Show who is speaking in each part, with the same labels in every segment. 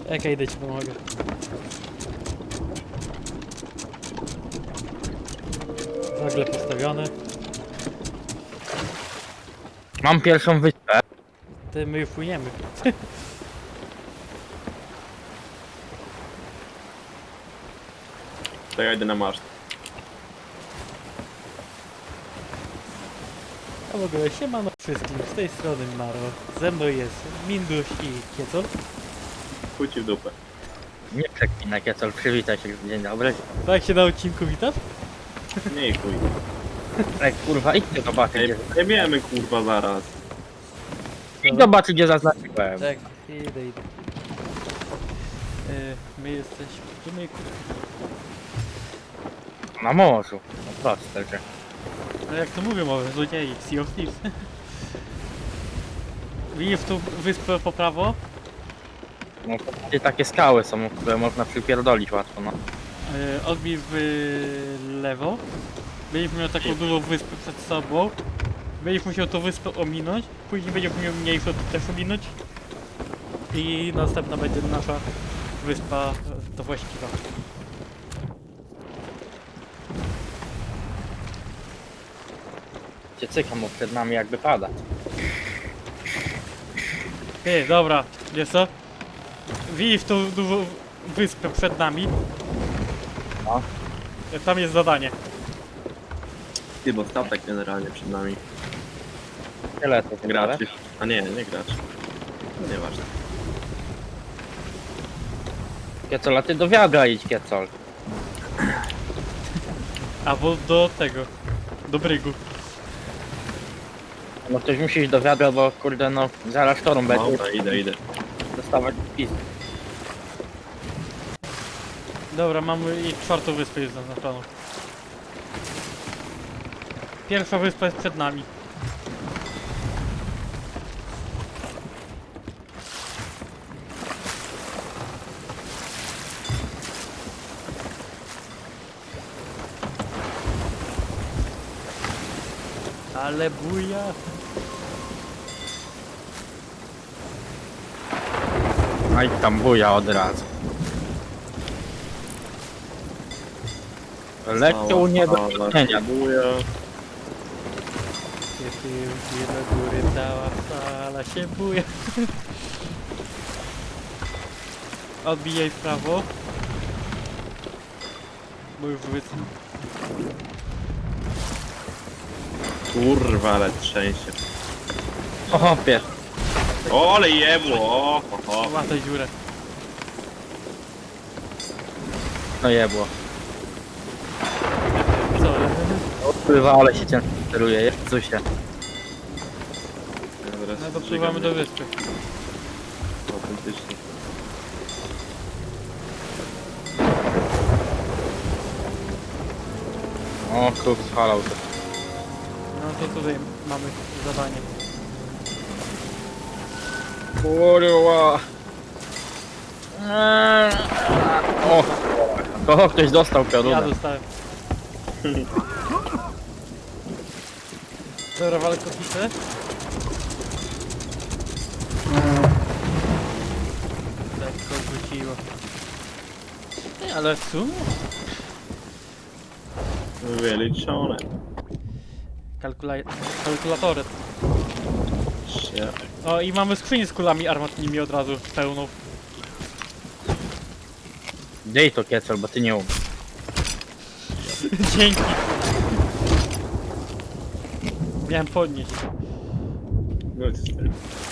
Speaker 1: Czekaj, idę ci pomogę. Wagle postawione.
Speaker 2: Mam pierwszą wyspę.
Speaker 1: Ty, my już płyniemy.
Speaker 3: To ja idę na maszt.
Speaker 1: A w ogóle siemano wszystkim, z tej strony Maro. Ze mną jest Minduś i Kiecol.
Speaker 3: Chuj ci w dupę.
Speaker 2: Nie przeklinaj, Kiecol, przywitaj się. Dzień dobry.
Speaker 1: Tak się na odcinku witasz?
Speaker 3: Nie i chuj.
Speaker 2: Ej, kurwa, idźcie zobaczyć,
Speaker 3: Ej,
Speaker 2: gdzie...
Speaker 3: jebiemy kurwa zaraz.
Speaker 2: Idź zobaczyć, gdzie zaznaczyłem.
Speaker 1: Tak, idę. My jesteśmy... Gdzie my...
Speaker 2: Na morzu. No proste, że...
Speaker 1: No jak to mówią o złodziei, Sea of Thieves. Widzisz tu wyspę po prawo?
Speaker 2: No to takie skały są, które można przypierdolić łatwo, no.
Speaker 1: Odbij w lewo. Będziesz miał taką dużą wyspę przed sobą. Będziesz musiał tą wyspę ominąć. Później będziesz miał mniejszą też ominąć. I następna będzie nasza wyspa, to właściwa.
Speaker 2: Cię cykam, bo przed nami jakby pada.
Speaker 1: Ty, dobra, wiesz co? Widzisz tą dużą wyspę przed nami?
Speaker 2: No.
Speaker 1: Tam jest zadanie.
Speaker 3: Ty, bo statek generalnie przed nami.
Speaker 2: Tyle to
Speaker 3: Graczy. A nie gracz. No nieważne.
Speaker 2: Kiecol, a ty do wiadra idź, Kiecol.
Speaker 1: Albo do tego. Do brygu.
Speaker 2: No ktoś musi iść do wiadra, bo kurde no zaraz sztorm będzie.
Speaker 3: Dobra, idę.
Speaker 2: Dostawać pis.
Speaker 1: Dobra, mamy i czwartą wyspę jest zaznaczoną. Pierwsza wyspa jest przed nami. Ale buja!
Speaker 2: No i tam buja od razu. Lekkie uniebezpieczenia.
Speaker 3: Buja.
Speaker 1: Kiedy do góry cała sala się buja. Odbijaj w prawo. Bo już wycofam.
Speaker 3: Kurwa, ale trzęsie.
Speaker 2: O, pies.
Speaker 3: O, ale jebło! O.
Speaker 1: Łataj dziurę.
Speaker 2: No jebło.
Speaker 1: Co?
Speaker 2: Odpływa, ale się ciężko steruje, jest coś się.
Speaker 1: No dopływamy do wyspy.
Speaker 3: Autentycznie.
Speaker 2: O, kruk spalał to.
Speaker 1: No to tutaj mamy zadanie.
Speaker 2: Kurwa. O, kogo ktoś dostał
Speaker 1: Ja
Speaker 2: piorunę.
Speaker 1: dostałem. Dobra, walę kotwicę. Lekko rzuciło. Nie, ale w sumie
Speaker 3: Wyliczone.
Speaker 1: kalkulatory. O, i mamy skrzynię z kulami armatnimi od razu pełną.
Speaker 2: Dej to, Kiecol, bo ty nie umiesz.
Speaker 1: Dzięki. Miałem podnieść.
Speaker 3: No i stary.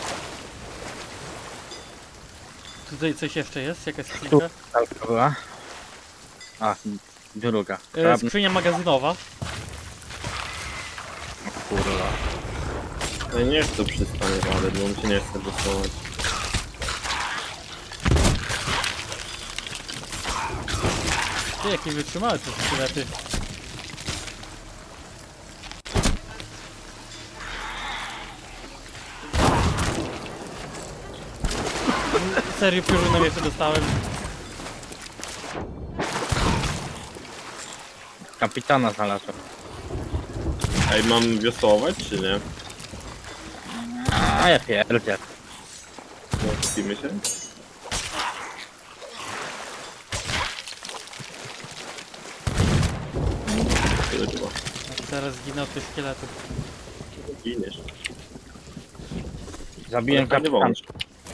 Speaker 1: Tutaj coś jeszcze jest? Jakaś
Speaker 2: Tu
Speaker 1: skrzynka?
Speaker 2: talka była. A, druga.
Speaker 1: Skrzynia magazynowa.
Speaker 2: Kurwa.
Speaker 3: Ja nie chcę przystanie ale bo mi się nie chce dostawać.
Speaker 1: Ty, jakie wytrzymałe te szkielety. Serio piorunem jeszcze dostałem.
Speaker 2: Kapitana znalazłem.
Speaker 3: Ej, mam wiosłować czy nie?
Speaker 2: A ja pierdzie.
Speaker 3: No, kupimy się?
Speaker 1: Zaraz zginę od tych szkieletów.
Speaker 3: Giniesz.
Speaker 2: Zabiłem
Speaker 3: Ale fajny
Speaker 2: kapitan.
Speaker 3: wąż.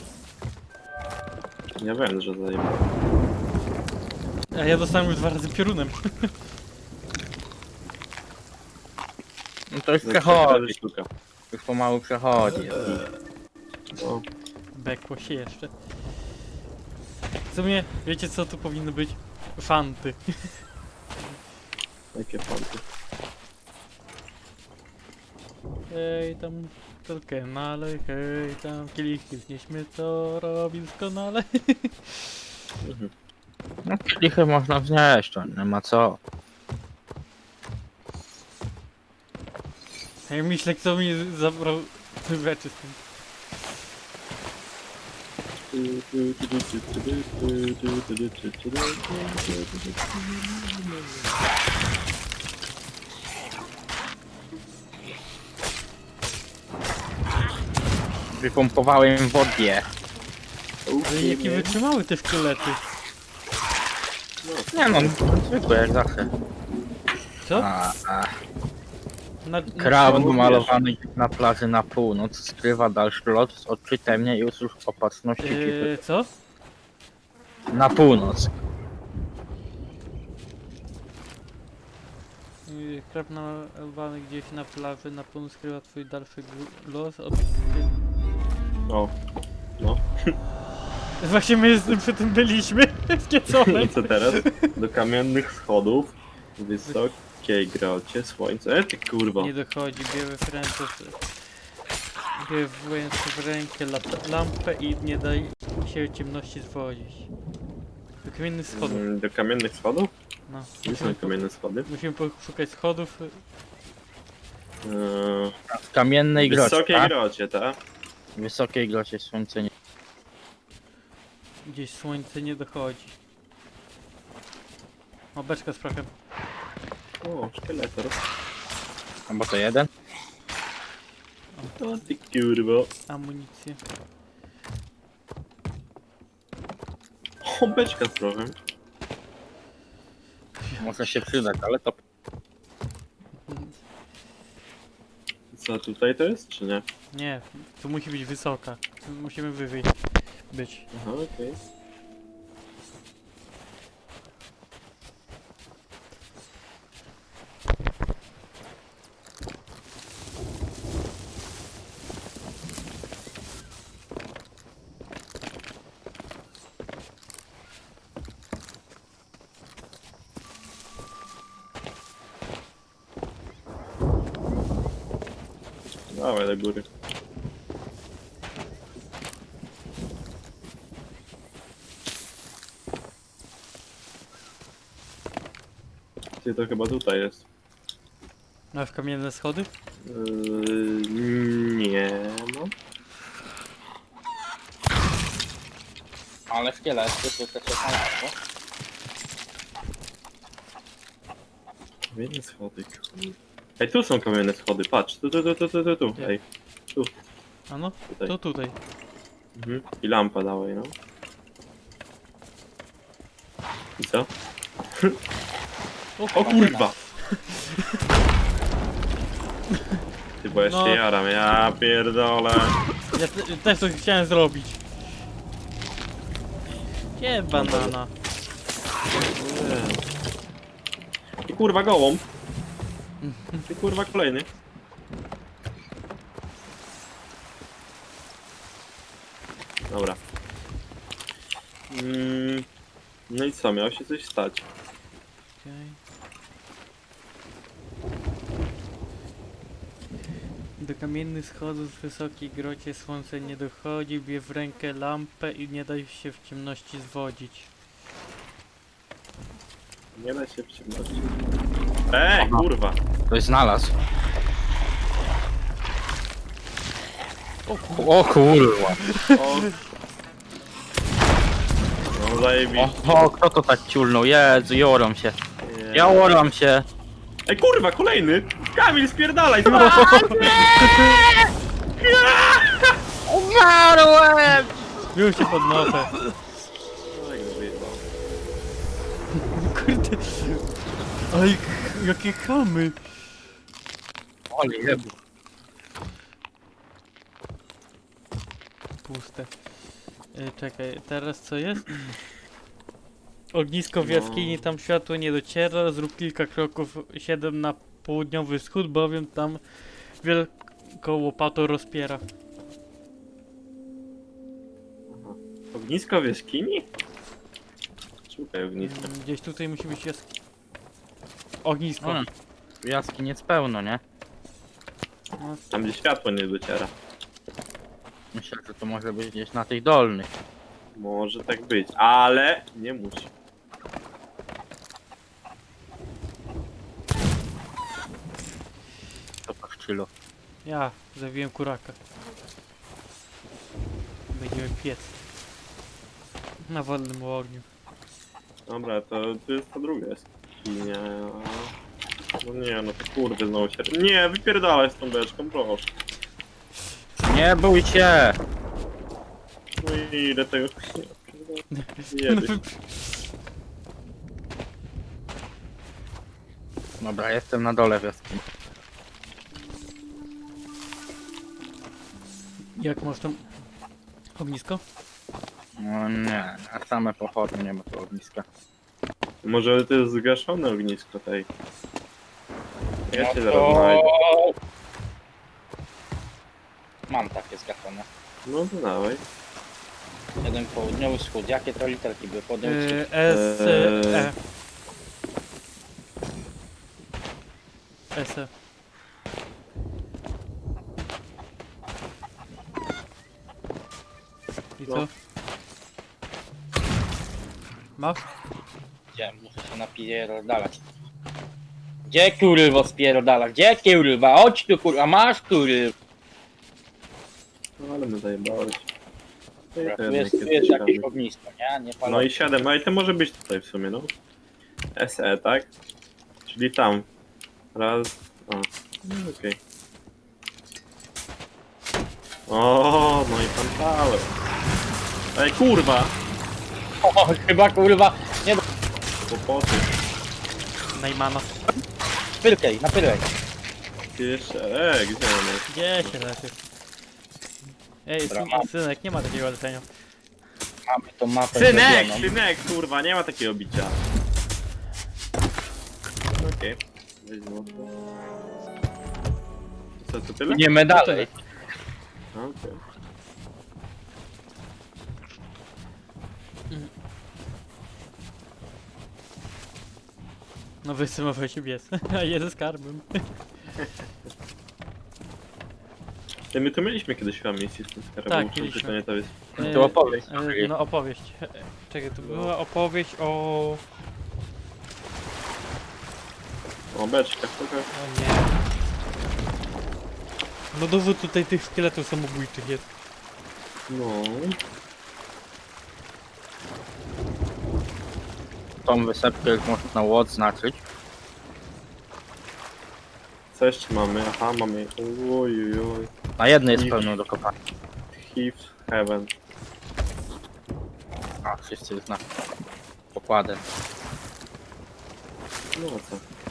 Speaker 3: Ja wiem, że zajebałem.
Speaker 1: A ja dostałem już 2 razy piorunem.
Speaker 2: No to już
Speaker 3: Za
Speaker 2: przechodzi.
Speaker 3: 4 sztuka.
Speaker 2: Już pomału przechodzi.
Speaker 3: No.
Speaker 1: Bekło się jeszcze. W sumie, wiecie co tu powinno być? Fanty.
Speaker 3: Jakie fanty.
Speaker 1: Hej tam doskonale, hej tam kielichy znieśmy co robi doskonale.
Speaker 2: No kielichy można wznieść, to nie ma co.
Speaker 1: Ja myślę, kto mi zabrał te rzeczy z tym.
Speaker 2: Wypompowałem wodę.
Speaker 1: Ale jakie wytrzymały te szkielety.
Speaker 2: Nie no, zwykłe jak zawsze.
Speaker 1: Co? Na
Speaker 2: Krab
Speaker 3: co
Speaker 2: malowany na plaży na północ skrywa dalszy lot z odczytem mnie i usług opatrzności ekipy.
Speaker 1: Co?
Speaker 2: Na północ.
Speaker 1: Krab nalewany gdzieś na plaży na północ skrywa twój dalszy los od...
Speaker 3: O. No.
Speaker 1: Właśnie my przy tym byliśmy w Kiecole.
Speaker 3: I co teraz? Do kamiennych schodów. Wysokiej grocie słońce. Ty kurwa.
Speaker 1: Nie dochodzi, bierę w ręce... Bierę w rękę lampę i nie daj się ciemności zwodzić. Do kamiennych schodów.
Speaker 3: Do kamiennych schodów?
Speaker 1: No.
Speaker 3: Gdzie są kamienne schody?
Speaker 1: Musimy poszukać schodów.
Speaker 2: W kamiennej
Speaker 3: W
Speaker 2: grocie,
Speaker 3: wysokiej
Speaker 2: tak?
Speaker 3: grocie, tak?
Speaker 2: W wysokiej grocie słońce nie...
Speaker 1: Gdzieś słońce nie dochodzi. O, beczka z prochem.
Speaker 3: O, szkieletor.
Speaker 2: No bo to jeden?
Speaker 3: O ty kurwa.
Speaker 1: Amunicję.
Speaker 3: O, beczka z prochem.
Speaker 2: Może się przydać, ale to...
Speaker 3: Co tutaj to jest, czy nie?
Speaker 1: Nie, tu musi być wysoka. Tu musimy wyżej być.
Speaker 3: Aha, okej. Dawaj do góry. Ty, to chyba tutaj jest.
Speaker 1: No, w kamienne schody?
Speaker 3: Nie, no.
Speaker 2: Ale szkielet, to słyszę się tam,
Speaker 3: Kamienne schody, kurde. Ej, tu są kamienne schody, patrz. Tu.
Speaker 1: Gdzie?
Speaker 3: Ej,
Speaker 1: A no,
Speaker 3: tutaj.
Speaker 1: to tutaj.
Speaker 3: Mhm. I lampa dałej, no. I co? O kurwa! Ty, bo ja
Speaker 1: No.
Speaker 3: się jaram, ja pierdolę.
Speaker 1: Ja też to chciałem zrobić. Gdzie banana?
Speaker 3: I kurwa gołąb. I kurwa kolejny. Dobra. No i co, miało się coś stać.
Speaker 1: Okej. Do kamiennych schodów w wysokiej grocie słońce nie dochodzi, bie w rękę lampę i nie daj się w ciemności zwodzić.
Speaker 3: Nie da się w ciemności. Ej, kurwa!
Speaker 2: Ktoś znalazł. O kurwa.
Speaker 3: O. No zajebiście.
Speaker 2: O, kto to tak ciulnął? Jezu, joram się. Ja joram się.
Speaker 3: Ej, kurwa, kolejny! Kamil, spierdalaj!
Speaker 2: Umarłem!
Speaker 1: Już się podnoszę.
Speaker 3: Oj, go wyjebał.
Speaker 1: Kurde. Oj, jakie chamy.
Speaker 2: Oli, jebło.
Speaker 1: Puste. Czekaj, teraz co jest? Ognisko w
Speaker 3: No.
Speaker 1: jaskini, tam światło nie dociera, zrób kilka kroków 7 na południowy wschód, bowiem tam wielką łopatą rozpiera.
Speaker 3: Aha. Ognisko w jaskini? Szukaj ogniska.
Speaker 1: Gdzieś tutaj musi być ognisko.
Speaker 2: Jaskiniec pełno, nie?
Speaker 1: No,
Speaker 3: Tam gdzie światło nie dociera.
Speaker 2: Myślę, że to może być gdzieś na tych dolnych.
Speaker 3: Może tak być, ale nie musi.
Speaker 2: To paszczylo.
Speaker 1: ja zabiłem kuraka. Będziemy piec. Na wolnym ogniu.
Speaker 3: Dobra, to jest ta druga jaskinia. No nie, no to kurde znowu się... Nie, wypierdalaj z tą beczką, proszę.
Speaker 2: Nie bój się!
Speaker 3: No i ile tego... Jedyś.
Speaker 2: Dobra, jestem na dole w jaskini.
Speaker 1: Jak masz tam ognisko?
Speaker 2: No nie, na same pochodnie nie ma tu ogniska.
Speaker 3: Może to jest zgaszone ognisko tej. Ja
Speaker 2: No
Speaker 3: cię
Speaker 2: to-
Speaker 3: zaraz znajdę.
Speaker 2: Mam takie zgaszone.
Speaker 3: No to dawaj.
Speaker 2: Jeden południowy wschód. Jakie to literki były? Południowy wschód.
Speaker 1: S, E. S, E. I co?
Speaker 3: No.
Speaker 1: Masz?
Speaker 2: Gdzie? Muszę się napierdalać. Gdzie kurwa spierdala? Gdzie kurwa? Chodź tu kurwa, masz kurwa.
Speaker 3: No ale my zajebałeś. No i
Speaker 2: Dobra,
Speaker 3: to
Speaker 2: tu
Speaker 3: jednak
Speaker 2: jest jakieś
Speaker 3: ciekawy.
Speaker 2: ognisko, nie? Nie palą.
Speaker 3: No i 7, no i to może być tutaj w sumie, no. SE, tak? Czyli tam. Raz, o, no okej. O, no i pan Paweł. Ej, kurwa!
Speaker 2: O, chyba kurwa. Nie,
Speaker 3: Kłopoty.
Speaker 1: Najmana.
Speaker 2: pyrkej, na pyrkej.
Speaker 3: Jeszcze, gdzie on jest?
Speaker 1: Gdzie się leży? Ej,
Speaker 2: Dobra, mam.
Speaker 1: synek, nie ma takiego lecenia.
Speaker 2: Mamy tą mapę
Speaker 3: Synek,
Speaker 2: zrobioną.
Speaker 3: synek, kurwa, nie ma takiego bicia. Okej. Weź złoto. Co, to tyle?
Speaker 2: Idziemy dalej.
Speaker 3: Okej.
Speaker 1: No wysymował się bies. A jeden skarbem.
Speaker 3: Ty, my tu mieliśmy kiedyś chyba misję z tym skarbem.
Speaker 1: Tak,
Speaker 3: muszę
Speaker 1: mieliśmy.
Speaker 3: tylko nie to jest.
Speaker 2: To opowieść.
Speaker 1: No opowieść. Czekaj, to była opowieść o...
Speaker 3: O, beczka, trochę.
Speaker 1: O nie. No dowód tutaj tych szkieletów samobójczych jest.
Speaker 3: No.
Speaker 2: Tą wysepkę już można odznaczyć.
Speaker 3: Co jeszcze mamy? Aha, mamy. Oj.
Speaker 2: Na jednej jest pełno do kopania.
Speaker 3: Thieves Heaven.
Speaker 2: A, wszyscy już na pokładę.
Speaker 3: No co?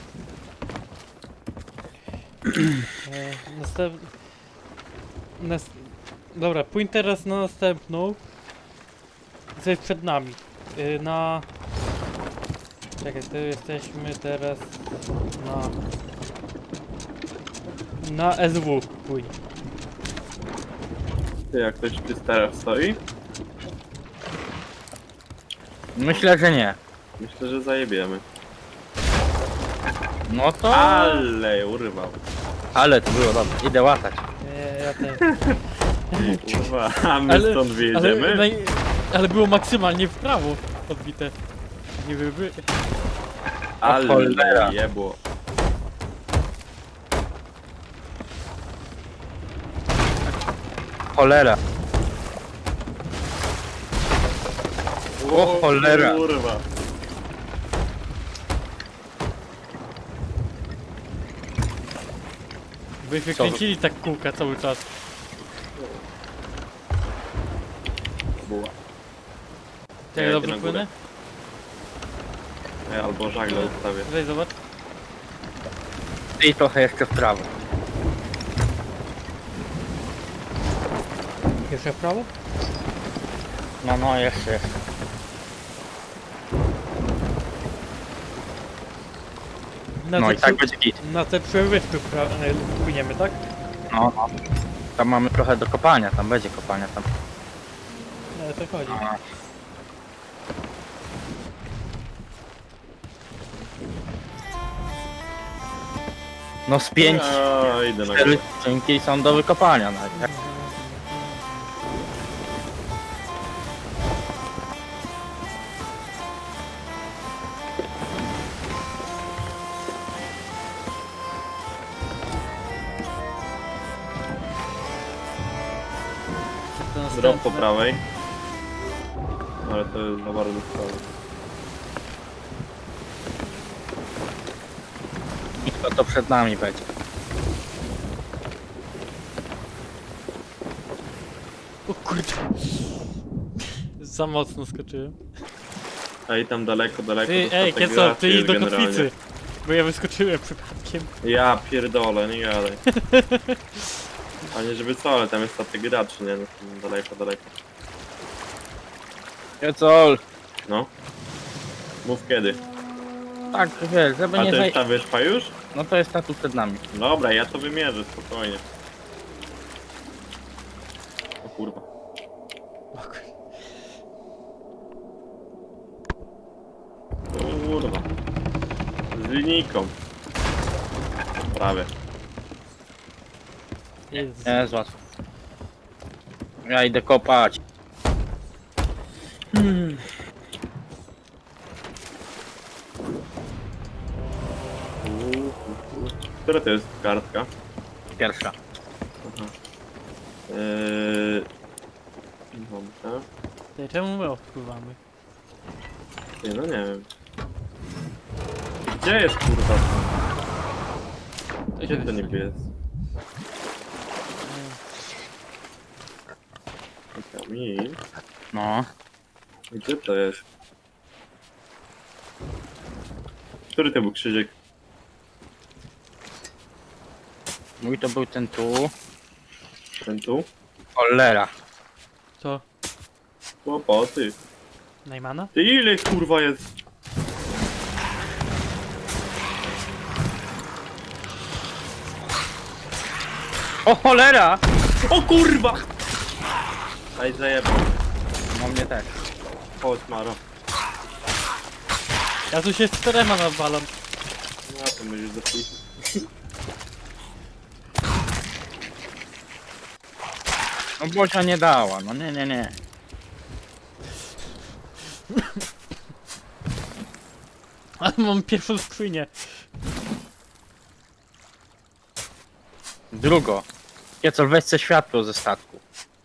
Speaker 1: Dobra, pójdź teraz na następną. Co jest przed nami. Na... Czekaj, to jesteśmy teraz na... Na SW pójdź.
Speaker 3: Ty, jak ktoś tu teraz stoi?
Speaker 2: Myślę, że nie.
Speaker 3: Myślę, że zajebiemy.
Speaker 2: No to...
Speaker 3: Ale urwał.
Speaker 2: Ale to było dobre. Idę łatać.
Speaker 1: Ja też.
Speaker 3: Kurwa, a my stąd wyjedziemy?
Speaker 1: Ale było maksymalnie w prawo odbite. Nie byłby...
Speaker 3: Ale
Speaker 2: cholera.
Speaker 3: jebło.
Speaker 2: Cholera. O cholera.
Speaker 3: Kurwa.
Speaker 1: Byśmy kręcili tak kółka cały czas.
Speaker 3: Buła.
Speaker 1: Tak
Speaker 3: Ja
Speaker 1: dobrze
Speaker 3: idę na górę.
Speaker 1: płynę?
Speaker 3: Albo żagle ustawię.
Speaker 1: Weź zobacz.
Speaker 2: I trochę jeszcze w prawo.
Speaker 1: Jeszcze w prawo?
Speaker 2: No, jeszcze.
Speaker 1: Na
Speaker 2: No
Speaker 1: te
Speaker 2: i tak
Speaker 1: przy-
Speaker 2: będzie git.
Speaker 1: Na te przewyspy płyniemy, tak?
Speaker 2: No. Tam mamy trochę do kopania, tam będzie kopania tam.
Speaker 1: No, o to chodzi.
Speaker 2: No z 5,
Speaker 3: Ja idę na
Speaker 2: 4
Speaker 3: górę.
Speaker 2: skrzynki są do wykopania nawet. Jak
Speaker 1: To
Speaker 3: Drop
Speaker 1: następne.
Speaker 3: po prawej. Ale to jest za bardzo w prawo.
Speaker 2: to przed nami będzie.
Speaker 1: O kurde. Za mocno skoczyłem.
Speaker 3: Ej, tam daleko, daleko.
Speaker 1: Ty,
Speaker 3: to
Speaker 1: ej,
Speaker 3: statek
Speaker 1: Kieco,
Speaker 3: graczy
Speaker 1: ty idź
Speaker 3: jest
Speaker 1: do
Speaker 3: generalnie.
Speaker 1: kotwicy. Bo ja wyskoczyłem przypadkiem.
Speaker 3: Ja pierdolę, nie gadaj. A nie żeby co, ale tam jest statek graczy, nie? No, tam daleko, daleko.
Speaker 2: Piecol!
Speaker 3: No. Mów kiedy.
Speaker 2: Tak, wiesz, żeby
Speaker 3: A
Speaker 2: nie
Speaker 3: to
Speaker 2: zaj...
Speaker 3: jest ta wyspa już?
Speaker 2: No to jest ta tu przed nami.
Speaker 3: Dobra, ja to wymierzę, spokojnie. O kurwa. Kurwa. Z linijką. Prawie.
Speaker 1: Jezus.
Speaker 2: Nie jest łatwo. Ja idę kopać.
Speaker 3: Która to jest kartka?
Speaker 2: Pierwsza.
Speaker 3: Aha. Dobra.
Speaker 1: Ty, czemu my odpływamy?
Speaker 3: Ty, no nie wiem. Gdzie jest kurwa? Gdzie to niby jest? Kamil.
Speaker 2: No.
Speaker 3: Gdzie to jest? Który to był krzyżyk?
Speaker 2: Mój to był ten tu.
Speaker 3: Ten tu?
Speaker 2: Cholera.
Speaker 1: Co?
Speaker 3: Kłopoty.
Speaker 1: Najmana?
Speaker 3: Ty ile kurwa jest?
Speaker 2: O cholera!
Speaker 3: O kurwa! Aj zajebał.
Speaker 2: No mnie też.
Speaker 3: Chodź Maro.
Speaker 1: Ja tu się z czterema nawalam.
Speaker 3: No to będziesz do chuj.
Speaker 2: No Bocia nie dała, no nie.
Speaker 1: Ale mam pierwszą skrzynię.
Speaker 2: Drugo. Kiecol, weź se światło ze statku.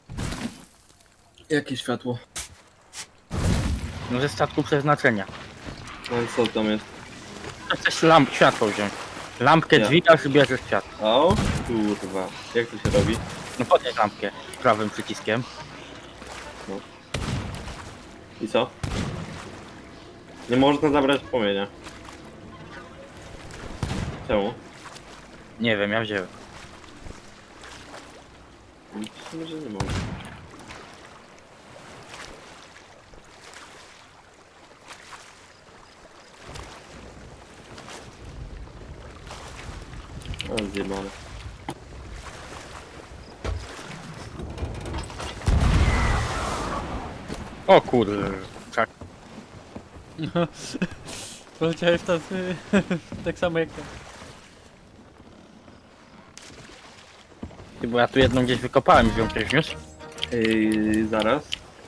Speaker 3: Jakie światło?
Speaker 2: No ze statku przeznaczenia.
Speaker 3: No i co tam jest?
Speaker 2: Chcesz światło wziąć. Lampkę
Speaker 3: Ja.
Speaker 2: dźwigasz i bierzesz światło.
Speaker 3: O kurwa. Jak to się robi?
Speaker 2: No podnieś lampkę prawym przyciskiem.
Speaker 3: I co? Nie można zabrać płomienia. Czemu?
Speaker 2: Nie wiem, ja wziąłem.
Speaker 3: Myślę, że nie mogę. A zjebane.
Speaker 2: O kurde. Czak.
Speaker 1: Poleciałeś tacy... tak samo jak ja.
Speaker 2: Ty, bo ja tu jedną gdzieś wykopałem i ją ktoś wniósł.
Speaker 3: Zaraz.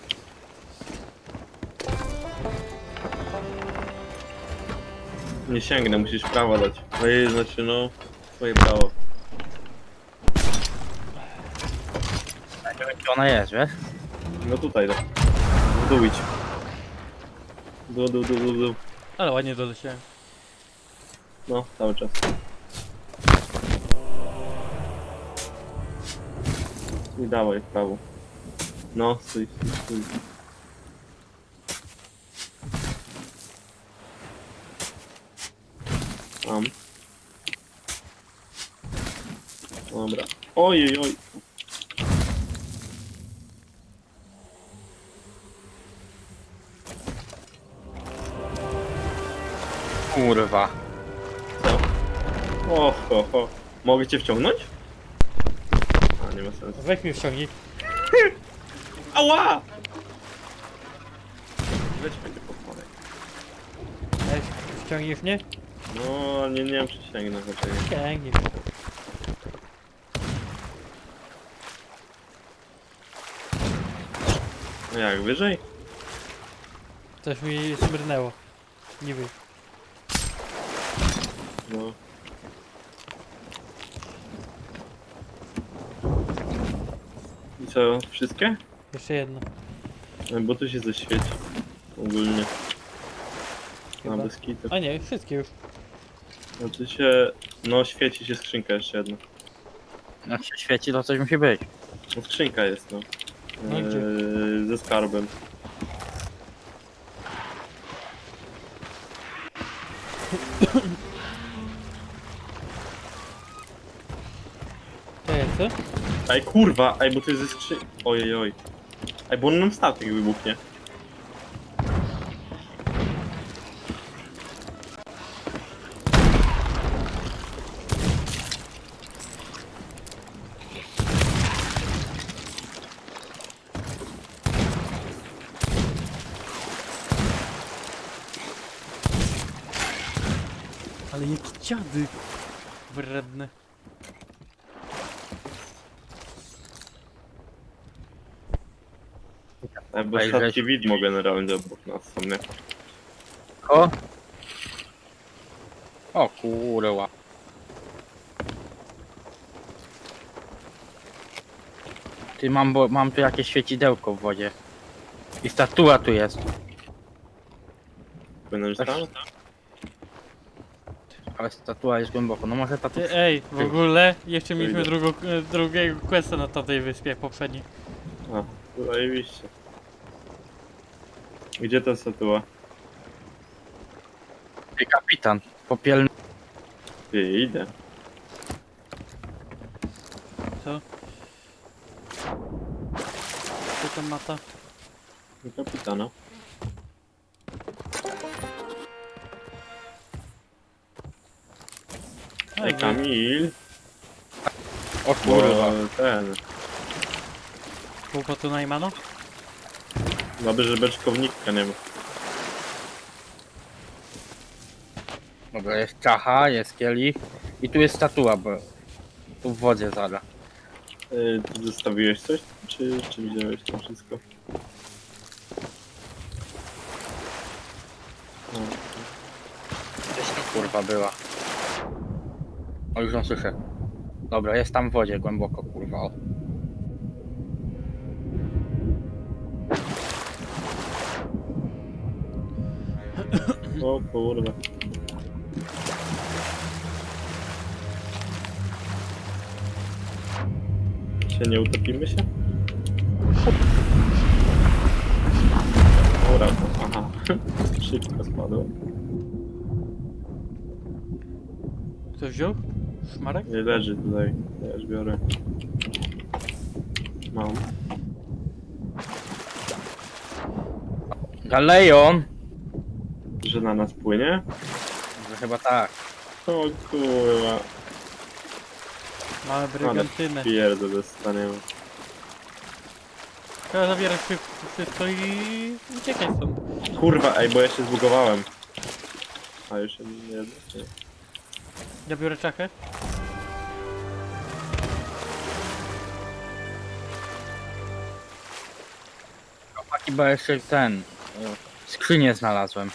Speaker 3: Nie sięgnę, musisz prawo dać. Znaczy no, swoje prawo.
Speaker 2: Ja nie wiem gdzie ona jest, wiesz?
Speaker 3: No tutaj, tak. W dół idź. Dół.
Speaker 1: Ale ładnie doleciałem.
Speaker 3: No, cały czas. I dawaj w prawo. No, stój. Tam. Dobra. Ojej.
Speaker 2: kurwa.
Speaker 3: O, ho, ho. Mogę cię wciągnąć? A, nie ma sensu.
Speaker 1: Weź mnie wciągnij.
Speaker 3: Ała! Weź mnie podporek.
Speaker 1: Weź, wciągniesz mnie?
Speaker 3: No, nie wiem czy sięgnę, chociaż.
Speaker 1: Ciągnij.
Speaker 3: No jak, wyżej?
Speaker 1: Coś mi smyrnęło. Niby.
Speaker 3: No. I co, wszystkie?
Speaker 1: Jeszcze jedno.
Speaker 3: No, bo tu się zaświeci. Ogólnie.
Speaker 1: Chyba.
Speaker 3: Na bez kitu.
Speaker 1: A nie, wszystkie już.
Speaker 3: No tu się... No świeci się skrzynka jeszcze jedna.
Speaker 2: Jak się świeci, to coś musi być.
Speaker 3: No skrzynka jest, no.
Speaker 1: No gdzie?
Speaker 3: Ze skarbem.
Speaker 1: To jest co?
Speaker 3: Ej kurwa, ej bo to jest ze skrzynki. Ojej oj. Ej bo on nam statek wybuchnie.
Speaker 1: Ale jaki dziady. Wredny.
Speaker 3: Ej bo
Speaker 2: Ej,
Speaker 3: statki
Speaker 2: żeś-
Speaker 3: widmo generalnie obok nas są, nie?
Speaker 2: O! O kurwa. Ty mam tu jakieś świecidełko w wodzie. I statua tu jest.
Speaker 3: Płynąć tam?
Speaker 2: Ale statua jest głęboko. No może ta tu...
Speaker 1: Ej, w ogóle jeszcze mieliśmy
Speaker 3: Wyjdę.
Speaker 1: drugiego questa na tamtej wyspie poprzedniej.
Speaker 3: A, zajebiście. Gdzie ta statua?
Speaker 2: Ty kapitan. Popielny.
Speaker 3: Ty, idę.
Speaker 1: Co? Co tam mata?
Speaker 3: Do kapitana. Ej Kamil.
Speaker 2: O kurwa.
Speaker 3: Bo ten.
Speaker 1: Kłopotu Najmano?
Speaker 3: Dobrze, że beczkownika nie ma.
Speaker 2: Dobra, jest czacha, jest kielich. I tu jest statua, bo... Tu w wodzie zada.
Speaker 3: Ty zostawiłeś coś? Czy widziałeś to wszystko? No.
Speaker 2: Gdzieś tu kurwa była. O, już ją słyszę. Dobra, jest tam w wodzie głęboko, kurwa. O.
Speaker 3: O kurwa. Się nie utopimy się? Dobra, aha. Szybko spadło.
Speaker 1: Ktoś wziął? Szmarek?
Speaker 3: Nie leży tutaj. Ja już biorę. Mam.
Speaker 2: Galeon!
Speaker 3: Że na nas płynie?
Speaker 2: Że chyba tak.
Speaker 3: O kurwa.
Speaker 1: Mamy brygantynę.
Speaker 3: Pierdę dostaniemy.
Speaker 1: Trzeba zabierać wszystko i uciekać stąd.
Speaker 3: Kurwa, ej, bo ja się zbugowałem. A już się nie nie.
Speaker 1: Ja biorę czachę.
Speaker 2: Chyba jeszcze ten... Skrzynię znalazłem.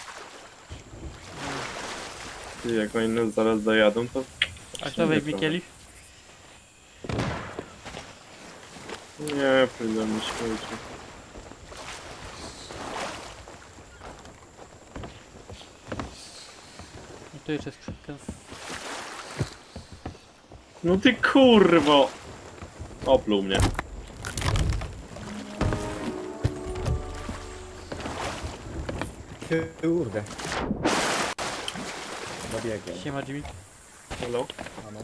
Speaker 3: Ty, jak oni nas zaraz dojadą, to...
Speaker 1: A kto weźmie kielich?
Speaker 3: Nie, pójdę na śmieci.
Speaker 1: No tu jeszcze skrzynka.
Speaker 3: No ty kurwo! Opluł mnie.
Speaker 4: Kurde. Dobiegłem.
Speaker 1: Siema Jimmy.
Speaker 3: Hello?
Speaker 4: Ano.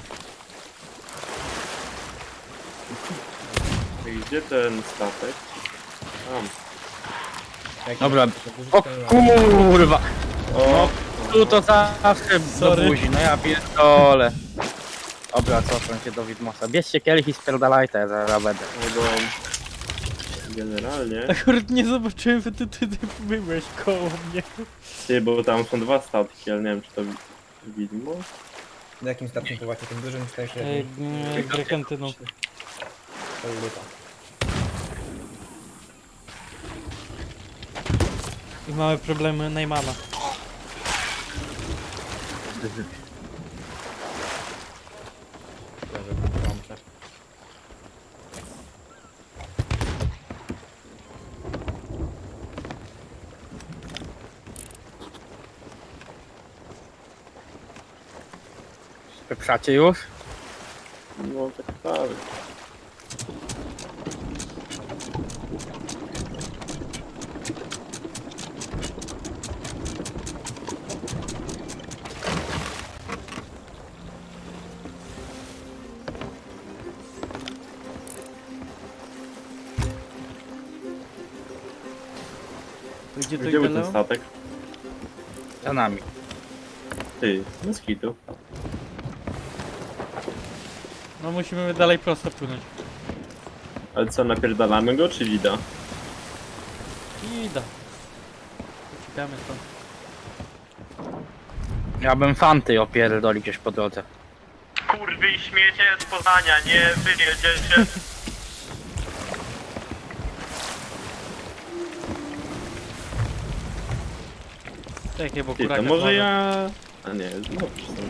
Speaker 3: I gdzie ten statek? Tam.
Speaker 4: Jak
Speaker 2: Dobra.
Speaker 4: jak
Speaker 2: O kurwa!
Speaker 3: O!
Speaker 2: tu to zawsze do
Speaker 1: Sorry.
Speaker 2: buzi, no ja pierdolę. Dobra, cofam się do Widmosa. Bierzcie kielich i spierdalaj, to ja zaraz będę.
Speaker 3: No bo... Generalnie...
Speaker 1: Akurat nie zobaczyłem, że ty byłeś koło mnie.
Speaker 3: Ty, bo tam są dwa statki, ale nie wiem, czy to widmo?
Speaker 4: Na jakim statku pływacie? Tym dużym czy też
Speaker 1: Ej, Grekentyną.
Speaker 4: lupa.
Speaker 1: I mamy problemy Neymana.
Speaker 2: Pieprzacie już?
Speaker 3: No tak tak.
Speaker 1: To gdzie to
Speaker 3: Gdzie był
Speaker 1: idzie,
Speaker 3: ten
Speaker 1: Leo?
Speaker 3: statek?
Speaker 2: Za nami.
Speaker 3: Ty, bez kitu.
Speaker 1: No musimy dalej prosto płynąć.
Speaker 3: Ale co, napierdalamy go, czy wida?
Speaker 1: I da. Uciekamy stąd.
Speaker 2: Ja bym fanty opierdolił gdzieś po drodze.
Speaker 3: Kurwy i śmiecie z Poznania, nie wyjedziecie.
Speaker 1: Czekaj, bo
Speaker 3: Ty,
Speaker 1: kuraka
Speaker 3: to może
Speaker 1: słabe.
Speaker 3: ja... A nie, no przecież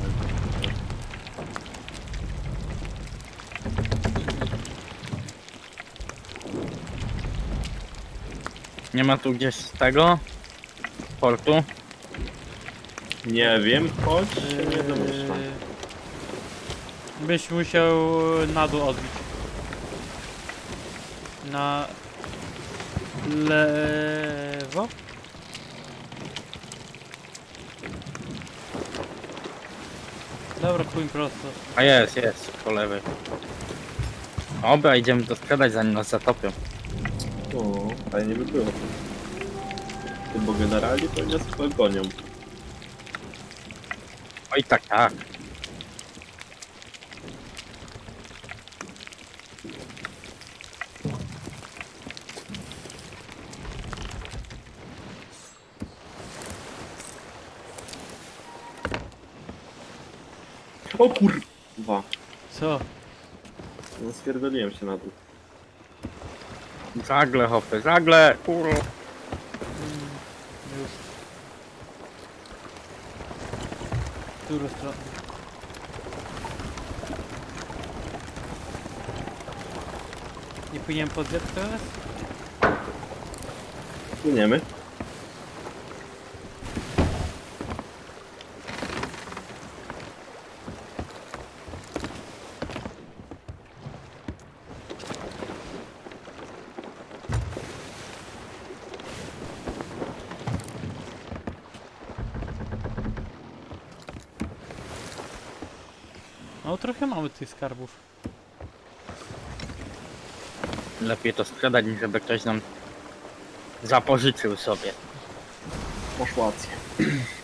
Speaker 2: Nie ma tu gdzieś tego? Portu?
Speaker 3: nie wiem, choć się nie domyślam.
Speaker 1: Byś musiał na dół odbić. Na lewo? Dobra, płyń prosto.
Speaker 2: A jest, po lewej. Dobra, idziemy to sprzedać zanim nas zatopią.
Speaker 3: O, fajnie by było. Ty, bo generalnie to nas gonią.
Speaker 2: Oj tak, tak.
Speaker 3: O kurwa!
Speaker 1: Co?
Speaker 3: No stwierdziliłem się na dół.
Speaker 2: Żagle, hopy, żagle! Kurwa.
Speaker 1: Już. W którą stronę? Nie powinienem podjechać teraz?
Speaker 3: Płyniemy.
Speaker 1: No trochę mamy tych skarbów.
Speaker 2: Lepiej to sprzedać, niż żeby ktoś nam zapożyczył sobie.
Speaker 3: Masz rację.